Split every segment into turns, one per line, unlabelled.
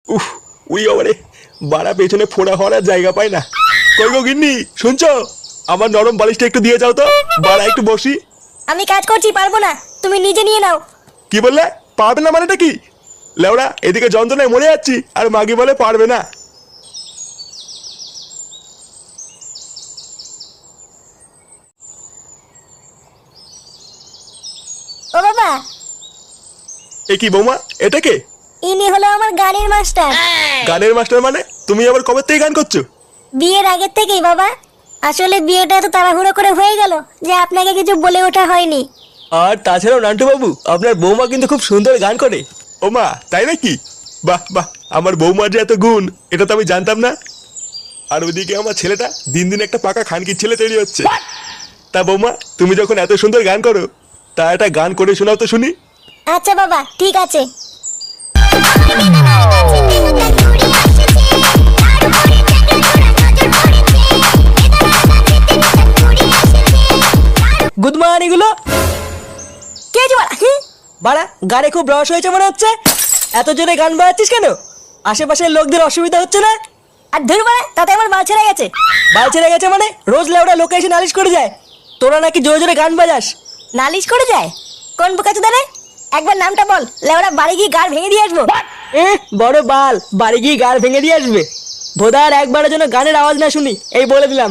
উফ, উই বাবারে, বাড়া পেছনে ফোড়া হওয়ার আর জায়গা পায় না। কই গো গিন্নি, শুনছো? আমার নরম বালিশটা একটু দিয়ে যাও তো, বাড়া একটু বসি।
আমি কাজ করছি, পারবো না, তুমি নিজে নিয়ে নাও।
কি বললে? পারবে না মানেটা কি? লেওড়া, এদিকে যন্ত্রণায় মরে যাচ্ছি আর মাগি বলে পারবে না।
ও বাবা,
এ কি বৌমা, এটা কে?
ইনি হলো আমার গানের মাস্টার।
গানের মাস্টার মানে? তুমি আবার কবে থেকে গান করছো?
বিয়ের আগের থেকেই বাবা। আসলে বিয়েটা এত তাড়াহুড়ো করে হয়ে গেল যে আপনাকে কিছু বলে ওঠা হয়নি।
আর তাছাড়াও নান্টু বাবু, আপনার বৌমা কিন্তু খুব সুন্দর গান করে।
ও মা, তাই নাকি? বাহ বাহ, আমার বৌমার যে এত গুণ, এটা তো আমি জানতাম না। আর ওইদিকে আমার ছেলেটা দিন দিন একটা পাকা খানকির ছেলে তৈরি হচ্ছে। তা বৌমা, তুমি যখন এত সুন্দর গান করো, তা একটা গান করে শোনাও তো শুনি।
আচ্ছা বাবা, ঠিক আছে।
গুড মর্নিং গুলো।
কে যে বাড়া?
বাড়া, গানে খুব রস হয়েছে মনে হচ্ছে। এত জোরে গান বাজাচ্ছিস কেন? আশেপাশের লোকদের অসুবিধা হচ্ছে না?
আর ধুর বাড়া, তাতে আমার বাল ছেড়ে গেছে।
বাল ছেড়ে গেছে মানে? রোজ লেওড়া লোকে এসে নালিশ করে যায় তোরা নাকি জোরে জোরে গান বাজাস।
নালিশ করে যায়? কোন বোকাচোদা রে? একবার নামটা বল, লেওড়া বাড়ি গিয়ে গাড় ভেঙে দিয়ে আসবো।
বড় বাল, বাড়ি গিয়ে গাড় ভেঙে দিয়ে আসবে? ভোদার একবারের জন্য গানের আওয়াজ না শুনি, এই বলে দিলাম।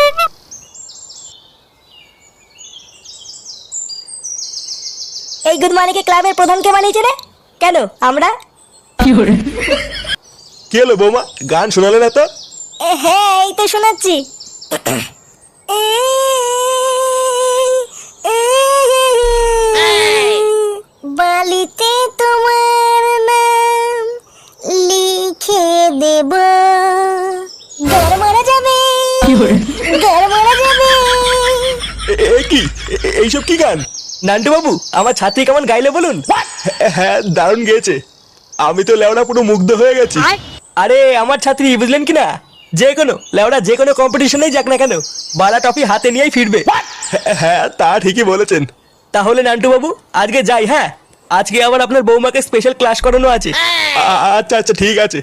এই গুড মর্নিং ক্লাবের প্রধানকে বানিয়েছে রে? কেন আমরা?
কি হলো বৌমা, গান শোনালে না তো?
হ্যাঁ, এই তো শোনাচ্ছি। বালিতে তোমার নাম লিখে দেব, ঘর মারা যাবে, ঘর মারা যাবে।
এ কি, এইসব কি গান?
নান্টু বাবু, আমার ছাত্রী কেমন গাইলে বলুন?
হ্যাঁ, দারুণ গেয়েছে। আমি তো লেওড়া পুরো মুগ্ধ হয়ে গেছি।
আরে আমার ছাত্রী, বুঝলেন কি না? যে কোনো লেওড়া যে কোনো কম্পিটিশনেই যাক না কেন, বালা টফি হাতে নিয়েই ফিরবে।
হ্যাঁ, তা ঠিকই বলেছেন।
তাহলে নান্টু বাবু, আজকে যাই। হ্যাঁ, আজকে আবার আপনার বৌমাকে স্পেশাল ক্লাস করানো আছে।
আচ্ছা আচ্ছা, ঠিক আছে।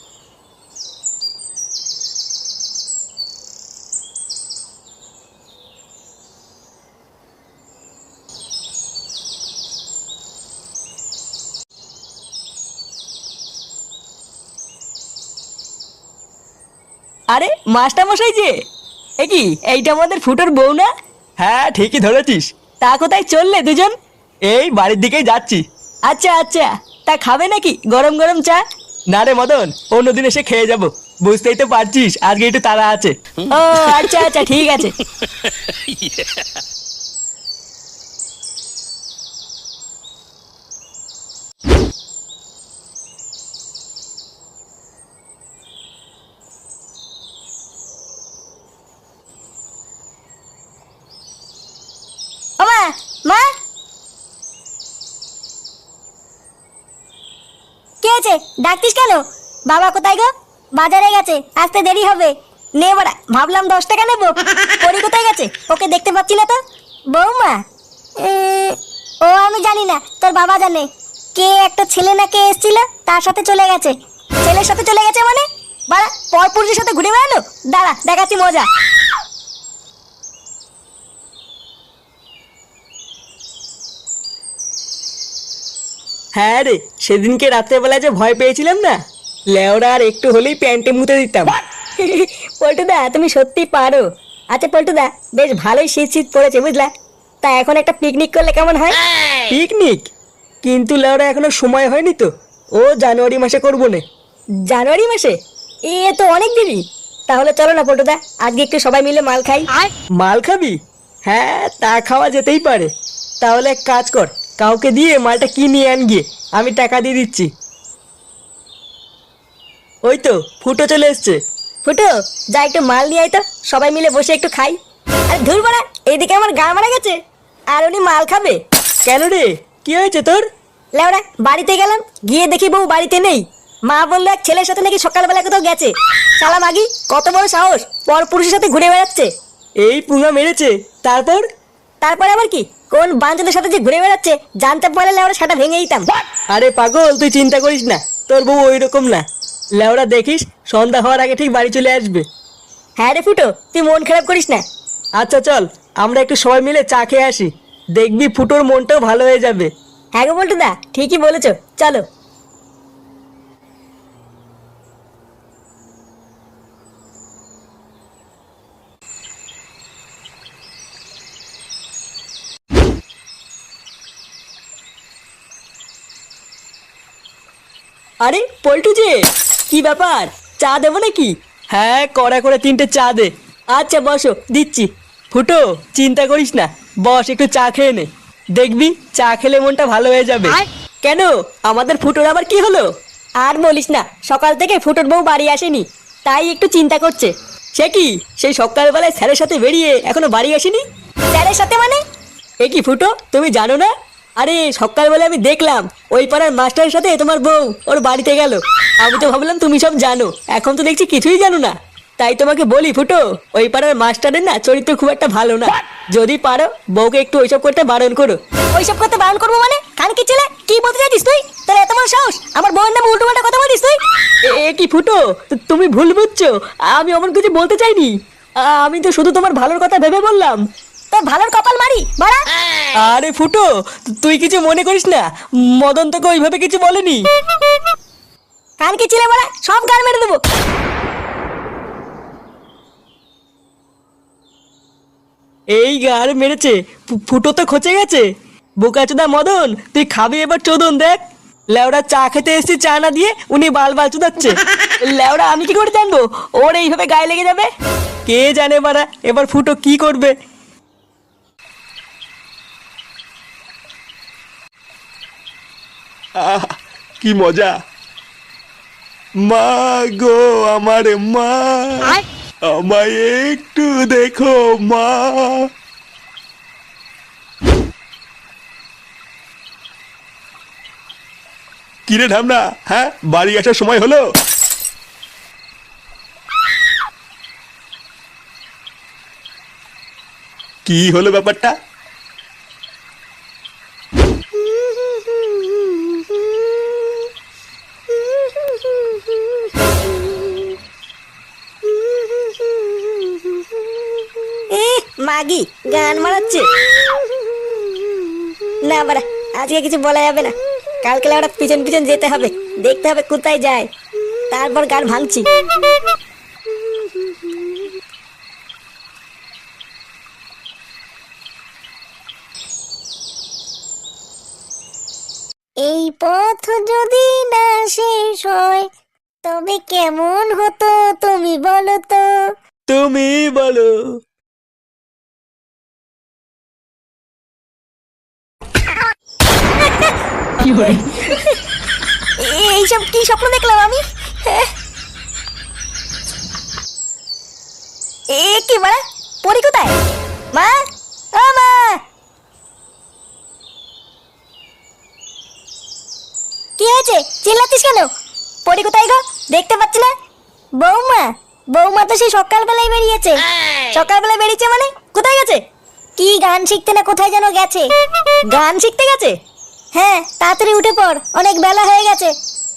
আরে মাস্টার মশাই যে, এ কি, এইটা আমাদের ফুটোর বউ না? হ্যাঁ, ঠিকই ধরেছিস। তা কোথায় চললে দুজন? এই বাড়ির দিকেই যাচ্ছি। আচ্ছা আচ্ছা, তা খাবে নাকি গরম গরম চা? না রে মদন, অন্যদিন এসে খেয়ে যাব। বুঝতেই তো পারছিস আজকে একটু তাড়া আছে।
ও আচ্ছা আচ্ছা, ঠিক আছে। ও মা, মা, কে আছে? ডাকতিস কেন? বাবা কোথায় গো? বাজারে গেছে, আসতে দেরি হবে। নে বড়া, ভাবলাম 10 টাকা নেবো। পরি কোথায় গেছে? ওকে দেখতে পাচ্ছি না তো। বৌমা? ও আমি জানি না, তোর বাবা জানে। কে একটা ছেলে না কে এসেছিল, তার সাথে চলে গেছে। ছেলের সাথে চলে গেছে মানে? বাড়া, পরপুরুষের সাথে ঘুরে বেড়ালো? দাঁড়া, দেখাচ্ছি মজা।
হ্যাঁ রে, সেদিনকে রাত্রেবেলা যে ভয় পেয়েছিলাম না, লেওরা আর একটু হলেই প্যান্টে মুতে দিতাম।
পল্টুদা, তুমি সত্যি পারো। আচ্ছা পল্টুদা, বেশ ভালোই শীত শীত পড়েছে বুঝলা। তা এখন একটা পিকনিক করলে কেমন হয়?
পিকনিক? কিন্তু লেওরা এখনো সময় হয়নি তো। ও জানুয়ারি মাসে করবো না।
জানুয়ারি মাসে? এ তো অনেক দেরি। তাহলে চলো না পল্টুদা, আজকে একটু সবাই মিলে মাল খাই।
মাল খাবি? হ্যাঁ, তা খাওয়া যেতেই পারে। তাহলে এক কাজ কর, কাউকে দিয়ে মালটা কিনে আন গিয়ে, আমি টাকা দিয়ে দিচ্ছি। ওই তো ফুটো চলে এসছে।
ফুটো, যা একটু মাল নিয়ে আয় তো, সবাই মিলে বসে একটু খাই। আরে ধুর বাড়া, এইদিকে আমার গা মারা গেছে, আর উনি মাল খাবে?
কেন রে, কি হয়েছে তোর?
লেওড়া, বাড়িতে গেলাম, গিয়ে দেখি বউ বাড়িতে নেই। মা বললো এক ছেলের সাথে নাকি সকালবেলা কোথাও গেছে। শালা মাগি, কত বড় সাহস, পর পুরুষের সাথে ঘুরে বেড়াচ্ছে।
এই পুঙ্গা মেরেছে? তারপর?
তারপরে আবার কি কোন বাঞ্চদের সাথে যে ঘুরে বেড়াচ্ছে জানতে পারলে লেওরা সেটা ভেঙে দিতাম।
আরে পাগল, তুই চিন্তা করিস না, তোর বউ ওই রকম না। লেওরা দেখিস সন্ধ্যা হওয়ার আগে ঠিক বাড়ি চলে আসবে।
হ্যাঁ রে ফুটো, তুই মন খারাপ করিস না।
আচ্ছা চল, আমরা একটু সবাই মিলে চা খেয়ে আসি, দেখবি ফুটোর মনটাও ভালো হয়ে যাবে।
হ্যাঁ গো বল্টুদা, ঠিকই বলেছো, চলো।
আরে পল্টু যে, কি ব্যাপার, চা দেবো নাকি? হ্যাঁ, কড়া করে 3টে চা দে। আচ্ছা বসো, দিচ্ছি। ফুটো, চিন্তা করিস না, বস একটু চা খেয়ে নে, দেখবি চা খেলে মনটা ভালো হয়ে যাবে। কেন, আমাদের ফুটোর আবার কি হলো?
আর বলিস না, সকাল থেকে ফুটোর বউ বাড়ি আসেনি, তাই একটু চিন্তা করছে।
সে কি, সেই সকালবেলায় স্যারের সাথে বেরিয়ে এখনো বাড়ি আসেনি?
স্যারের সাথে মানে?
এ কি ফুটো, তুমি জানো না? আরে সকালবেলা আমি দেখলাম ওই পাড়ার মাস্টারের সাথে তোমার বউ ওর বাড়িতে গেল। আমি তো ভাবলাম তুমি সব জানো, এখন তো দেখছি কিছুই জানো না। তাই তোমাকে বলি ফুটো, ওই পাড়ার মাস্টারের না চরিত্র খুব একটা ভালো না। যদি পারো বউকে একটু ওইসব করতে বারণ করো।
ওইসব করতে বারণ করবো মানে? খানকি ছেলে, কি বলতে চাইছিস তুই? তোর এত বড় সাহস, আমার বউয়ের নামে উল্টো পাল্টা কথা বলিস তুই?
এ কি ফুটো, তুমি ভুল বুঝছো, আমি অমন কিছু বলতে চাইনি। আমি তো শুধু তোমার ভালোর কথা ভেবে বললাম।
তোর ভালোর কপাল মারি বাড়া।
আরে ফুটো, তুই কিছু মনে করিস না, মদন তোকে ওইভাবে কিছু বলেনি।
খানকি ছেলে বাড়া, সব গান মেরে দেবো।
এই গার মেরেছে, ফুটো তো খচে গেছে। বোকাচোদা মদন, তুই খাবি এবার চোদন দেখ। লেওড়া চা খেতে এসেছি, চা না দিয়ে উনি বাল বাল চুদাচ্ছে। লেওড়া আমি কি করে জানবো ওর এইভাবে গায়ে লেগে যাবে? কে জানে বাড়া এবার ফুটো কি করবে।
আহ, কি মজা। মা গো আমার মা, আমায় একটু দেখো মা। কিরে ঢামনা, হ্যাঁ বাড়ি আসার সময় হলো? কি হলো ব্যাপারটা?
মাগি গান মারাচ্ছে না বাড়া, আজকে কিছু বলা যাবে না। কালকে ওরা পিছন পিছন যেতে হবে, দেখতে হবে কোথায় যায়, তারপর গান ভাঙছি। এই পথ যদি না শেষ হয় তবে কেমন হতো তুমি বলো তো?
তুমি বলো।
এইসব কি স্বপ্ন দেখলাম আমি? এ কি বাড়া, পরি কোথায়? মা, ও মা, কি হয়েছে, চিল্লাচ্ছিস কেন? পরি কোথায় গো, দেখতে পাচ্ছি না। বৌমা, বৌমা তো সেই সকালবেলায় বেরিয়েছে। সকালবেলায় বেরিয়েছে মানে কোথায় গেছে? কি গান শিখতে না কোথায় যেন গেছে। গান শিখতে গেছে? হ্যাঁ, তাড়াতাড়ি উঠে পড়, অনেক বেলা হয়ে গেছে।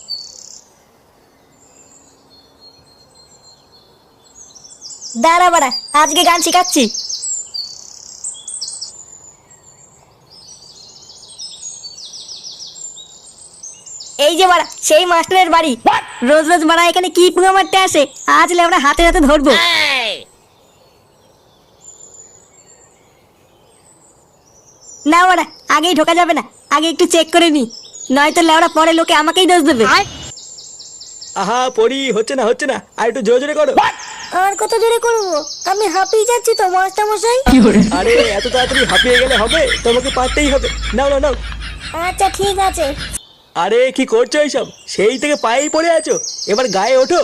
দাঁড়া বাড়া, আজকে গান শিখাচ্ছি। এই যে বাড়া সেই মাস্টারের বাড়ি। রোজ রোজ বাড়া এখানে কি পুঙ্গা মারতে আসে, আজ আমরা হাতে হাতে ধরবো। না বাড়া, আগেই ঢোকা যাবে না, আগে একটু চেক করে নি, নয়তো লেওড়া পরে লোকে আমাকেই দোষ দেবে।
আহা পড়ি, হচ্ছে না হচ্ছে না, আর একটু জোরে জোরে করো।
আর কত জোরে করবো, আমি হাঁপিয়ে যাচ্ছি তো মাস্টার মশাই।
আরে এত তাড়াতাড়ি হাঁপিয়ে গেলে হবে, তোমাকে পারতেই হবে। নাও নাও নাও।
আচ্ছা ঠিক আছে।
আরে কি করছো এইসব, সেই থেকে পায়েই পড়ে আছো, এবার গায়ে ওঠো।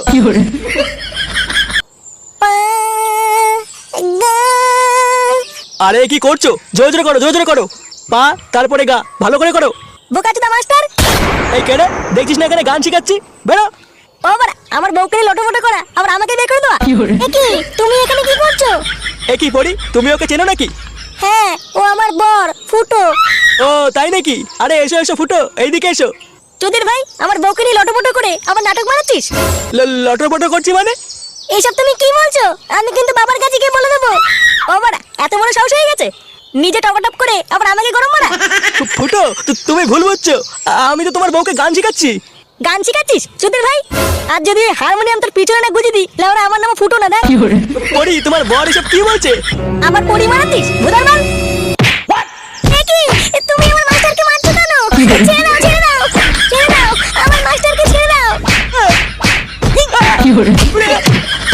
আরে কি করছো, জোরে জোরে করো, জোরে জোরে করো। পা তারপরে গা, ভালো করে করো।
বোকাচোদা মাস্টার।
এই কেন দেখছিস না এখানে গান শিখাচ্ছি, বেরো।
ও বাড়া, আমার বউকে লটোমটো করা, আবার আমাকে বের করে দেওয়া। এ কি, তুমি এখানে কি করছো?
এ কি পড়ি, তুমি ওকে চেনো নাকি?
হ্যাঁ, ও আমার বর ফুটো।
ও তাই নাকি? আরে এসো এসো ফুটো, এইদিকে এসো।
চোদের ভাই, আমার বউকে নিয়ে লটোপটো করে আমার নাটক বানাচ্ছিস?
লটর পটর করছি মানে?
এইসব তুমি কি বলছো? আমি কিন্তু বাবার কাছে গিয়ে বলে দেবো। ও বাড়া, এত বড় সাহস হয়ে গেছে? নিজে টপটপ করে আবার আমাকে গরম মারা।
ফুটো তুমি ভুল বুঝছো, আমি তো তোমার বউকে গান শেখাচ্ছি।
গান শিখাচ্ছিস চোদের ভাই? আর যদি হারমোনিয়াম তোর পিছনে না গুঁজে দিই, লেওরা আমার নাম ফুটো না দেখ।
পরি তোমার বর এসব কি বলছে?
আমার পরি মারাতিস ভুদার বাল। এ কি? তুমি আমার মাস্টারকে মারছো কেন? ছেড়ে দাও, ছেড়ে দাও, ছেড়ে দাও, আমার মাস্টারকে ছেড়ে দাও।